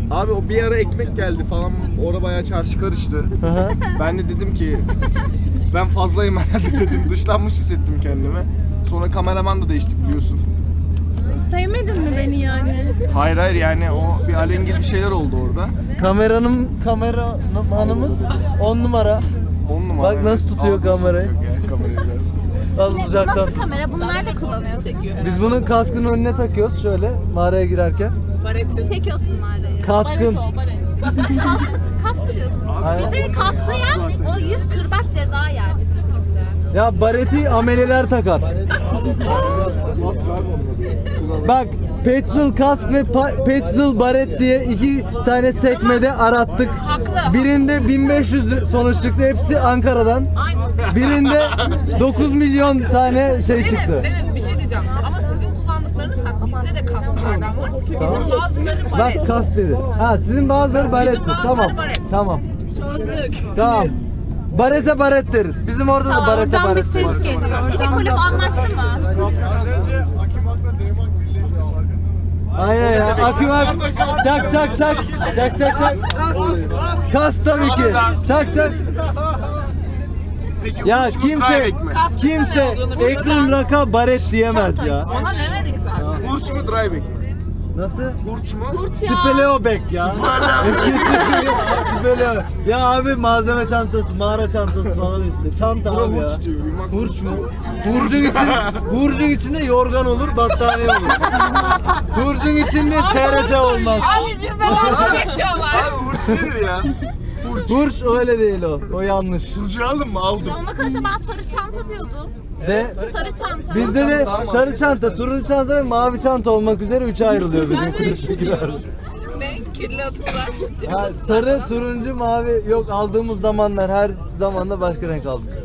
Abi o bir ara ekmek geldi falan, orada bayağı çarşı karıştı. Ben de dedim ki ben fazlayım herhalde dedim, dışlanmış hissettim kendimi. Sonra kameraman da değiştik biliyorsun. Sevmedin mi beni yani? Hayır yani o bir alengir bir şeyler oldu orada. Kameramanımız 10 numara. 10 numara. Bak nasıl tutuyor kamerayı. Kamerayı biraz. Az uzaktan. Nasıl kamera? Bunlar da kullanıyor. Çekiyor. Biz bunun kaskının önüne takıyoruz şöyle mağaraya girerken. Çekiyorsun mağarayı. Kaskın. Kask biliyorsun. Aynen. Bizi kaslayan o 100 kırbaç ceza yerdi. Ya bareti ameleler takar. Bak petrol kask ve petrol baret diye 2 tane sekmede arattık. Haklı. Birinde 1500 sonuç çıktı. Hepsi Ankara'dan. Aynen. Birinde 9 milyon tane şey çıktı. Evet bir şey diyeceğim ama sizin kullandıklarınız bizde de kasklardan var. Bizim bazıları baret. Bak kask dedi. Ha sizin bazıları baret mi? bazıları Tamam. baret. Tamam. Çözdük. Tamam. Barete baret deriz. Bizim orada da barete Oradan bir baret ses deriz. geliyor. Oradan kulüp anlaştı mı? Aynen ya. Akım ak. Çak çak çak. Çak çak çak. Kas tabii ki. Çak çak. Peki, Ya uç mu, drive kimse back mi? kimse Ekrem Raka baret diyemez ya. Ona ne dedik zaten? Hurç mu, drive back mi? Nasıl? Hurç mu? Speleo bek ya. Speleo. Ya abi malzeme çantası, mağara çantası falan işte. Çanta abi ya. Hurç diyor, yumak Hurç mu? Hurcun içinde yorgan olur, battaniye olur. Hurcun içinde TRT olmaz. Abi bizde dalga geçiyorlar. Hurç nedir ya? Hurç öyle değil o. O yanlış. Hurcu aldın mı? Aldım. Ona kalsa ben sarı çanta diyordum. De Sarı çanta. bizde de sarı çanta, turuncu çanta ve mavi çanta olmak üzere 3'e ayrılıyor bizim kulüptekiler. Ne? Kirli atıyorlar. Ha, sarı, turuncu, mavi yok aldığımız zamanlar her zamanda başka renk aldık.